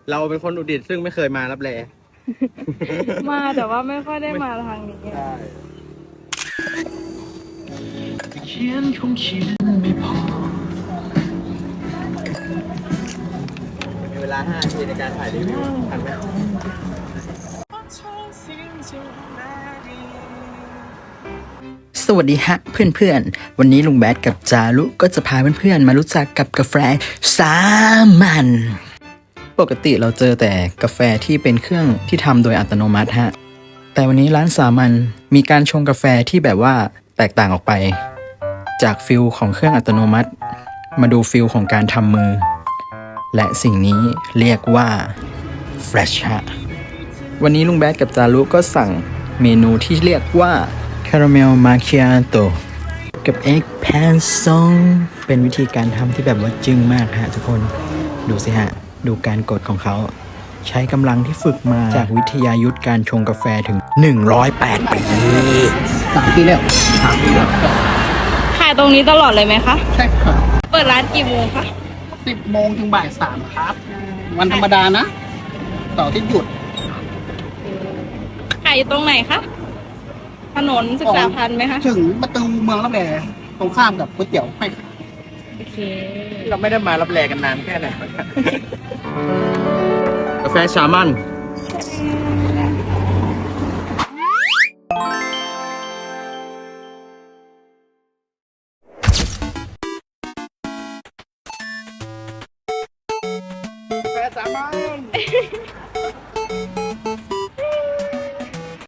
เราเป็นคนอุตรดิตถ์ซึ่งไม่เคยมารับแลมาแต่ว่าไม่ค่อยได้มาทางนี้ใช่เขียนคงเขียนไม่พอมีเวลา5 นาทีในการถ่ายรีวิวทันไหมสวัสดีฮะเพื่อนๆ วันนี้ลุงแบดกับจารุก็จะพาเพื่อนๆมารู้จักกับกาแฟสามัญปกติเราเจอแต่กาแฟที่เป็นเครื่องที่ทำโดยอัตโนมัติฮะแต่วันนี้ร้านสามัญมีการชงกาแฟที่แบบว่าแตกต่างออกไป จากฟิลของเครื่องอัตโนมัติ มาดูฟิลของการทำมือ และสิ่งนี้เรียกว่า Fresh ฮะวันนี้ลุงแบดกับจารุก็สั่งเมนูที่เรียกว่าคาราเมลมาคิอาโตกับเอ็กแพนซองเป็นวิธีการทำที่แบบว่าจึ้งมากฮะทุกคนดูสิฮะ ดูการกดของเขา ใช้กำลังที่ฝึกมาจากวิทยายุทธการชงกาแฟถึง 108 ปี3 ปีแล้ว3 ปีแล้วขายตรงนี้ตลอดเลยไหมคะใช่ครับเปิดร้านกี่โมงคะ 10 โมงถึงบ่าย 3 ครับ วันธรรมดานะเสาร์อาที่หยุดขายอยู่ตรงไหนคะถนนศึกษาพันธ์ไหมคะถึงประตูเมืองรับแลตรงข้ามกับก๋วยเตี๋ยวไม่ขายโอเคเราไม่ได้มารับแลกันนานแค่ไหน กาแฟสามัญ